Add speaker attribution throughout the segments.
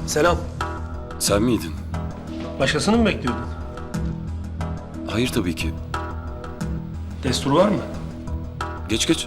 Speaker 1: Selam.
Speaker 2: Sen miydin?
Speaker 1: Başkasını mı bekliyordun?
Speaker 2: Hayır tabii ki.
Speaker 1: Destur var mı?
Speaker 2: Geç geç.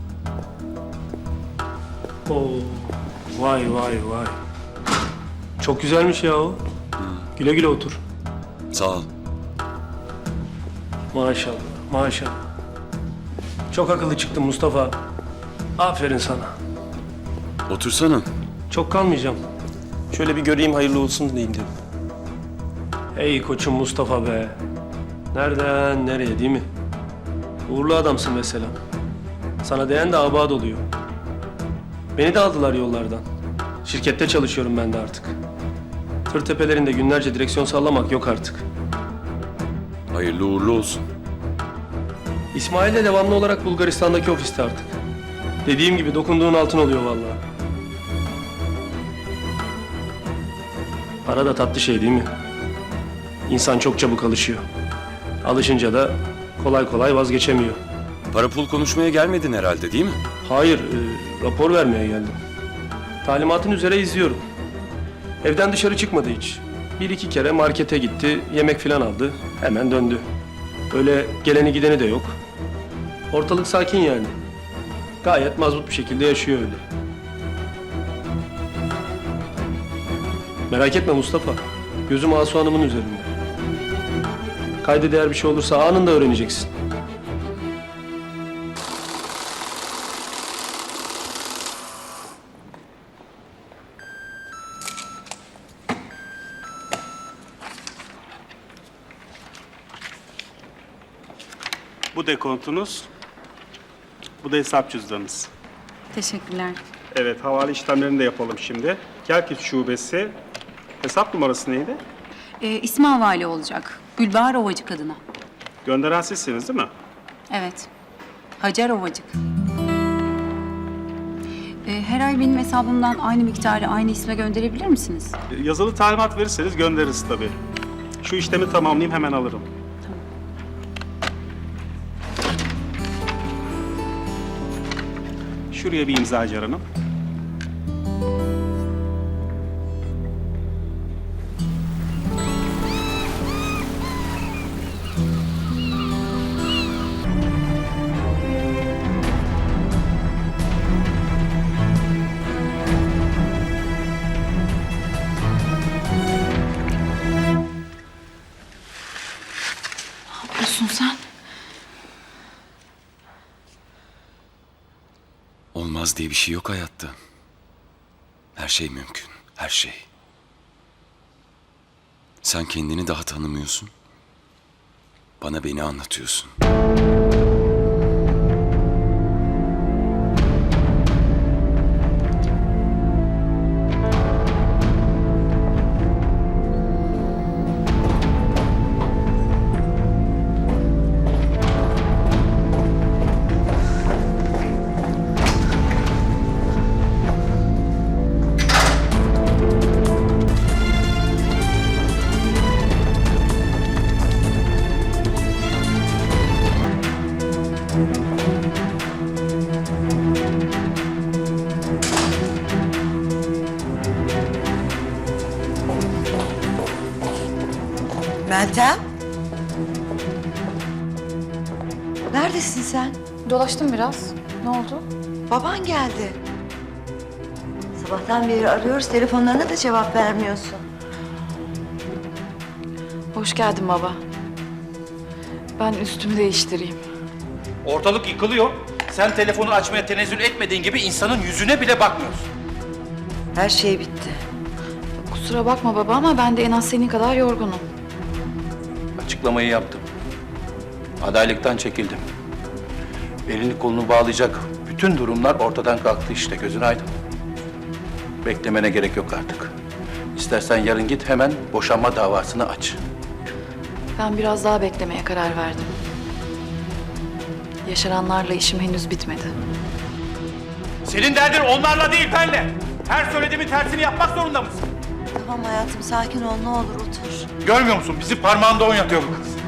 Speaker 1: Oo. Vay vay vay. Çok güzelmiş ya o. Güle güle otur.
Speaker 2: Sağ ol.
Speaker 1: Maşallah, maşallah. Çok akıllı çıktın Mustafa. Aferin sana.
Speaker 2: Otursana.
Speaker 1: Çok kalmayacağım. Şöyle bir göreyim, hayırlı olsun diyeyim dedim. Hey koçum Mustafa be. Nereden nereye değil mi? Uğurlu adamsın mesela. Sana değen de abad oluyor. Beni de aldılar yollardan. Şirkette çalışıyorum ben de artık. Tır tepelerinde günlerce direksiyon sallamak yok artık.
Speaker 2: Hayırlı uğurlu olsun.
Speaker 1: İsmail de devamlı olarak Bulgaristan'daki ofiste artık. Dediğim gibi dokunduğun altın oluyor vallahi. Para da tatlı şey değil mi? İnsan çok çabuk alışıyor. Alışınca da kolay kolay vazgeçemiyor.
Speaker 2: Para pul konuşmaya gelmedin herhalde değil mi?
Speaker 1: Hayır, rapor vermeye geldim. Talimatın üzere izliyorum. Evden dışarı çıkmadı hiç. Bir iki kere markete gitti, yemek falan aldı. Hemen döndü. Öyle geleni gideni de yok. Ortalık sakin yani. Gayet mazbut bir şekilde yaşıyor öyle. Merak etme Mustafa. Gözüm Asu Hanım'ın üzerinde. Kayda değer bir şey olursa anında öğreneceksin.
Speaker 3: Bu dekontunuz, bu da hesap cüzdanınız.
Speaker 4: Teşekkürler.
Speaker 3: Evet, havale işlemlerini de yapalım şimdi. Kerkük Şubesi, hesap numarası neydi?
Speaker 4: İsmi havale olacak. Gülbahar Ovacık adına.
Speaker 3: Gönderen sizsiniz değil mi?
Speaker 4: Evet. Hacer Ovacık. Her ay benim hesabımdan aynı miktarı aynı isme gönderebilir misiniz?
Speaker 3: Yazılı talimat verirseniz göndeririz tabii. Şu işlemi tamamlayayım, hemen alırım. Şuraya bir imza Hacer Hanım.
Speaker 4: Ne yapıyorsun sen?
Speaker 2: Olmaz diye bir şey yok hayatta. Her şey mümkün. Her şey. Sen kendini daha tanımıyorsun. Bana beni anlatıyorsun.
Speaker 5: Meltem? Neredesin sen?
Speaker 6: Dolaştım biraz. Ne oldu?
Speaker 5: Baban geldi. Sabahtan beri arıyoruz, telefonlarına da cevap vermiyorsun.
Speaker 6: Hoş geldin baba. Ben üstümü değiştireyim.
Speaker 7: Ortalık yıkılıyor. Sen telefonu açmaya tenezzül etmediğin gibi insanın yüzüne bile bakmıyorsun.
Speaker 5: Her şey bitti.
Speaker 6: Kusura bakma baba ama ben de en az senin kadar yorgunum.
Speaker 7: Açıklamayı yaptım. Adaylıktan çekildim. Elini kolunu bağlayacak bütün durumlar ortadan kalktı işte, gözün aydın. Beklemene gerek yok artık. İstersen yarın git, hemen boşanma davasını aç.
Speaker 6: Ben biraz daha beklemeye karar verdim. Yaşananlarla işim henüz bitmedi.
Speaker 7: Senin derdin onlarla değil, benle. Her söylediğimin tersini yapmak zorunda mısın?
Speaker 5: Tamam hayatım, sakin ol, ne olur otur.
Speaker 7: Görmüyor musun? Bizi parmağında oynatıyor bu kız.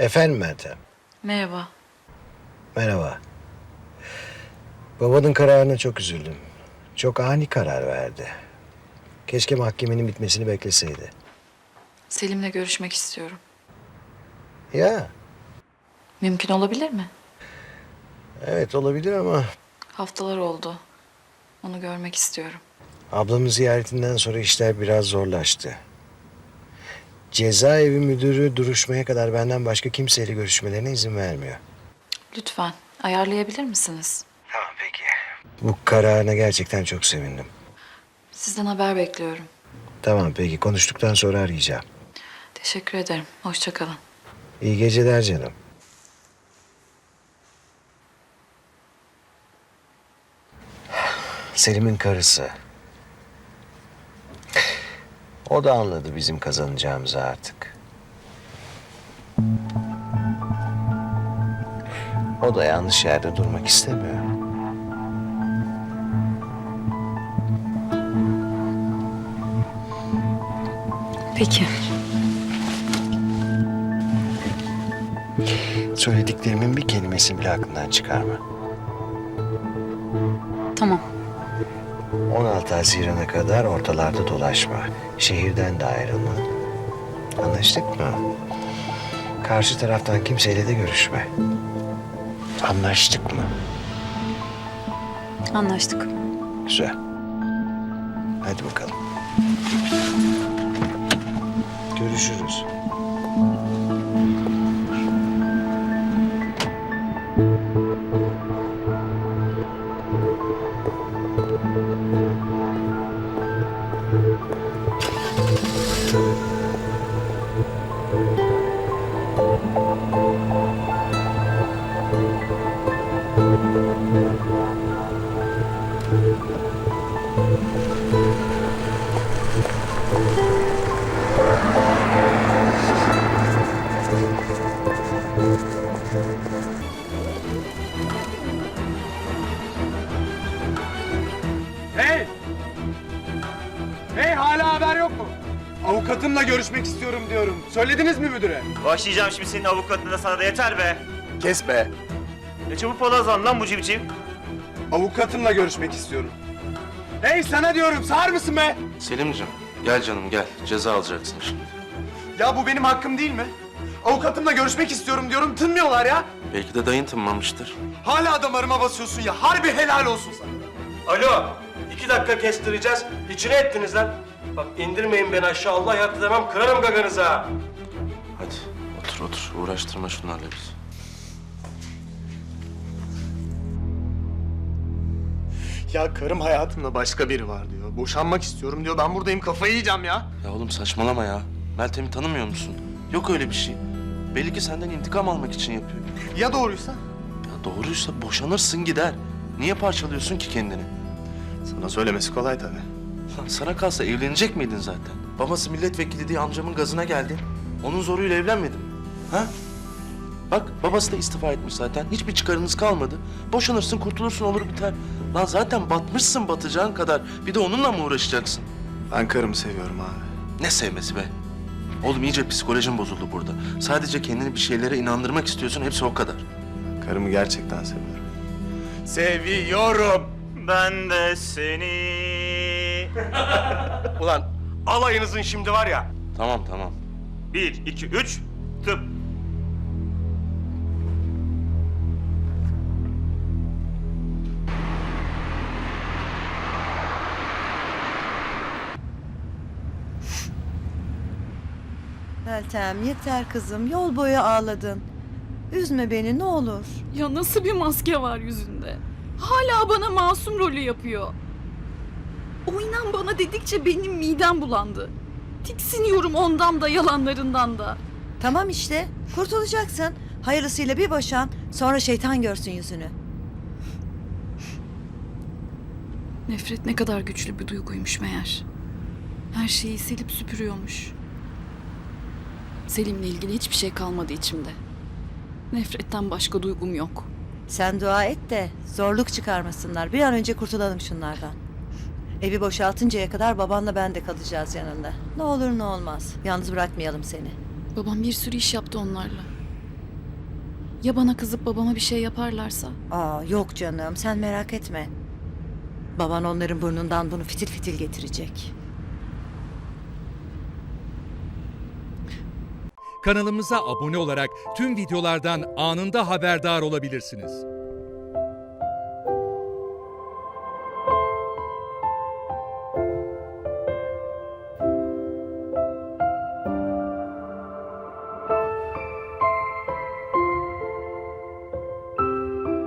Speaker 8: Efendim Meltem.
Speaker 6: Merhaba.
Speaker 8: Merhaba. Babanın kararına çok üzüldüm. Çok ani karar verdi. Keşke mahkemenin bitmesini bekleseydi.
Speaker 6: Selim'le görüşmek istiyorum.
Speaker 8: Ya,
Speaker 6: Mümkün olabilir mi?
Speaker 8: evet olabilir ama
Speaker 6: Haftalar oldu. Onu görmek istiyorum.
Speaker 8: ablamın ziyaretinden sonra işler biraz zorlaştı. Cezaevi müdürü duruşmaya kadar benden başka kimseyle görüşmelerine izin vermiyor.
Speaker 6: Lütfen ayarlayabilir misiniz?
Speaker 8: Tamam peki. Bu kararına gerçekten çok sevindim.
Speaker 6: Sizden haber bekliyorum.
Speaker 8: Tamam peki, konuştuktan sonra arayacağım.
Speaker 6: Teşekkür ederim. Hoşça kalın.
Speaker 8: İyi geceler canım. Selim'in karısı. O da anladı bizim kazanacağımızı artık. O da yanlış yerde durmak istemiyor.
Speaker 4: Peki.
Speaker 8: Söylediklerimin bir kelimesini bile aklından çıkarma.
Speaker 4: Tamam.
Speaker 8: 16 Haziran'a kadar ortalarda dolaşma. Şehirden de ayrılma. Anlaştık mı? Karşı taraftan kimseyle de görüşme. Anlaştık mı?
Speaker 4: Anlaştık.
Speaker 8: Güzel. Hadi bakalım. Görüşürüz.
Speaker 9: Hey! Hey, hala haber yok mu? Avukatımla görüşmek istiyorum diyorum. Söylediniz mi müdüre?
Speaker 10: Başlayacağım şimdi senin avukatına, sana da yeter be.
Speaker 9: Kes be.
Speaker 10: Ne çabuk palazlan lan bu civciv.
Speaker 9: Avukatımla görüşmek istiyorum. Hey, sana diyorum, sağır mısın be?
Speaker 11: Selim'cim gel canım gel. Ceza alacaksın şimdi.
Speaker 9: Ya bu benim hakkım değil mi? Avukatımla görüşmek istiyorum diyorum, tınmıyorlar ya.
Speaker 11: Belki de dayın tınmamıştır.
Speaker 9: Hala damarıma basıyorsun ya, harbi helal olsun sana.
Speaker 1: Alo, 2 dakika kestireceğiz. İçine ettiniz lan. Bak indirmeyin beni aşağı, Allah yaktı demem, kırarım gaganızı ha.
Speaker 11: Hadi otur otur. Uğraştırma şunlarla bizi.
Speaker 9: Ya karım hayatımda başka biri var diyor. Boşanmak istiyorum diyor. Ben buradayım, kafayı yiyeceğim ya.
Speaker 11: Ya oğlum saçmalama ya. Meltem'i tanımıyor musun? Yok öyle bir şey. Belli ki senden intikam almak için yapıyor.
Speaker 9: Ya doğruysa?
Speaker 11: Ya doğruysa boşanırsın gider. Niye parçalıyorsun ki kendini?
Speaker 9: Sana söylemesi kolay tabii.
Speaker 11: Lan sana kalsa evlenecek miydin zaten? Babası milletvekili diye amcamın gazına geldin. Onun zoruyla evlenmedin mi? Ha? Bak babası da istifa etmiş zaten. Hiçbir çıkarınız kalmadı. Boşanırsın, kurtulursun, olur biter. Lan zaten batmışsın batacağın kadar. Bir de onunla mı uğraşacaksın?
Speaker 9: Ben karımı seviyorum abi.
Speaker 11: Ne sevmesi be? Oğlum iyice psikolojin bozuldu burada. Sadece kendini bir şeylere inandırmak istiyorsun. Hepsi o kadar.
Speaker 9: Karımı gerçekten seviyorum. Seviyorum.
Speaker 10: Ben de seni.
Speaker 1: Ulan alayınızın şimdi var ya.
Speaker 11: Tamam tamam.
Speaker 10: 1, 2, 3, tıp.
Speaker 5: Meltem yeter kızım, yol boyu ağladın. Üzme beni ne olur.
Speaker 6: Ya nasıl bir maske var yüzünde? Hala bana masum rolü yapıyor. O inan bana dedikçe benim midem bulandı. Tiksiniyorum ondan da yalanlarından da.
Speaker 5: Tamam işte, kurtulacaksın. Hayırlısıyla bir boşan, sonra şeytan görsün yüzünü.
Speaker 6: Nefret ne kadar güçlü bir duyguymuş meğer. Her şeyi silip süpürüyormuş. Selim'le ilgili hiçbir şey kalmadı içimde. Nefretten başka duygum yok.
Speaker 5: Sen dua et de zorluk çıkarmasınlar. Bir an önce kurtulalım şunlardan. Evi boşaltıncaya kadar babanla ben de kalacağız yanında. Ne olur ne olmaz. Yalnız bırakmayalım seni.
Speaker 6: Babam bir sürü iş yaptı onlarla. Ya bana kızıp babama bir şey yaparlarsa?
Speaker 5: Aa, yok canım, sen merak etme. Baban onların burnundan bunu fitil fitil getirecek.
Speaker 12: Kanalımıza abone olarak tüm videolardan anında haberdar olabilirsiniz.